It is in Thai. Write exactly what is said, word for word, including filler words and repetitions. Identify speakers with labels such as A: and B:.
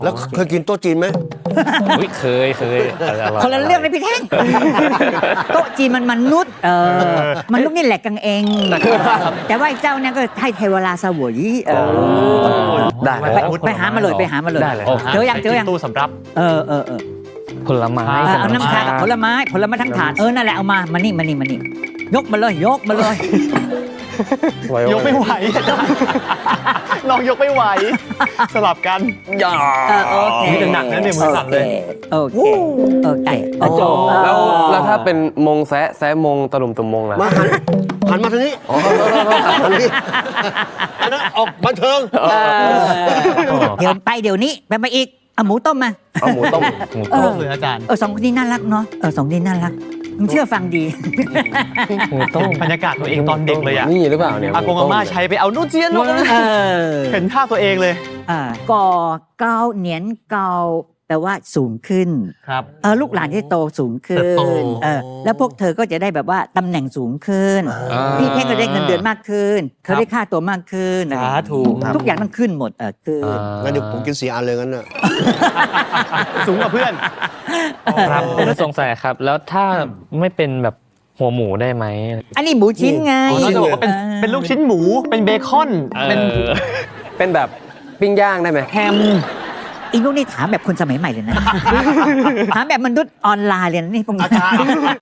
A: แล้วเคยกินโต๊ะจีนไหม
B: อุ๊ยเคยเคยอร่อย
C: คนละเรื่องเลยพี่แท่งโต๊ะจีนมันมนุษย์เออมนุษย์นี่แหลกกันเอง แต่ว่าไอ้เจ้าเนี่ยก็ให้เทวราสวยเออ
A: ได้
C: ไปไปหามาเลยไปหามาเลย
B: ได้เลย
C: เจอยังเจอยัง
D: ตู้สำรับ
C: เออเออเออ
B: ผลไม้
C: เออเอาน้ำชากับผลไม้ผลไม้ทั้งถาดเออนั่นแหละเอามามานี่มานี่มานี่ยกมาเลยยกมาเลย
D: ยกไม่ไหวอาจารย์น้องยกไม่ไหว สลับกัน
A: อย่า
C: เออโอเค
D: นี่หนักนะเนี่ยมือสั่นเลย
C: โอเคโอเคโอเค
E: แล้วแล้วถ้าเป็นมงแซะแซะมงตะลุมตุ่มมงล่ะ
A: มาหันหันมาทางนี้อ๋อหันนี้อันนั้นออกบันเทิง
C: เออเดี๋ยวไปเดี๋ยวนี้ไปมาอีกเอาหมูต้มมา
E: เอาหมูต้ม
B: หมู
C: เอ
B: ต้
C: อ
B: ม
D: เลยอาจารย์
C: เออสองคนนี้น่ารักเนาะเออสองคนนี้น่ารักมึงเชื่อฟังดี
B: หมูต้ม
D: บรรยากาศตัวเองตอนเด็กเลยอะ
E: นี่หรือเปล่าเนี่ย
D: อากงอาม่าใช้ไปเอานู่นเจียนนู่น
C: เออ
D: เห็นภาพตัวเองเลย
C: อ่าก่อเกาเหนียนเกาแปลว่าสูงขึ้น
D: ครับ
C: เออลูกหลานที่โตสูงขึ้
D: เติบโต
C: นเออแล้วพวกเธอก็จะได้แบบว่าตำแหน่งสูงขึ้น พี่เท่งก็ได้เงินเดือนมากขึ้นเธอได้ค่าตัวมากขึ้นอะไร
D: สาธุ
C: ทุกอย่างต้องขึ้นหมดเออขึ้น
A: งั้นเดี๋ยวผมกินสี่อันเลยงั้นน่ะ
D: สูงกว่าเพื่อน
B: ครับผมสงสัยครับ แล้วถ้าไม่เป็นแบบหัวหมูได้ไหม
C: อันนี้หมูชิ้นไง
D: อ๋อเราจะบอกว่าเป็น
C: ออ
D: เป็นลูกชิ้นหมู เป็นเบคอน เป็น
B: เออ
E: เป็นแบบปิ้งย่างได้ไหม
D: แฮม
C: อีลูกนี่ถามแบบคนสมัยใหม่เลยนะ ถามแบบมนุษย์ออนไลน์เลยนะนี่พวกนี้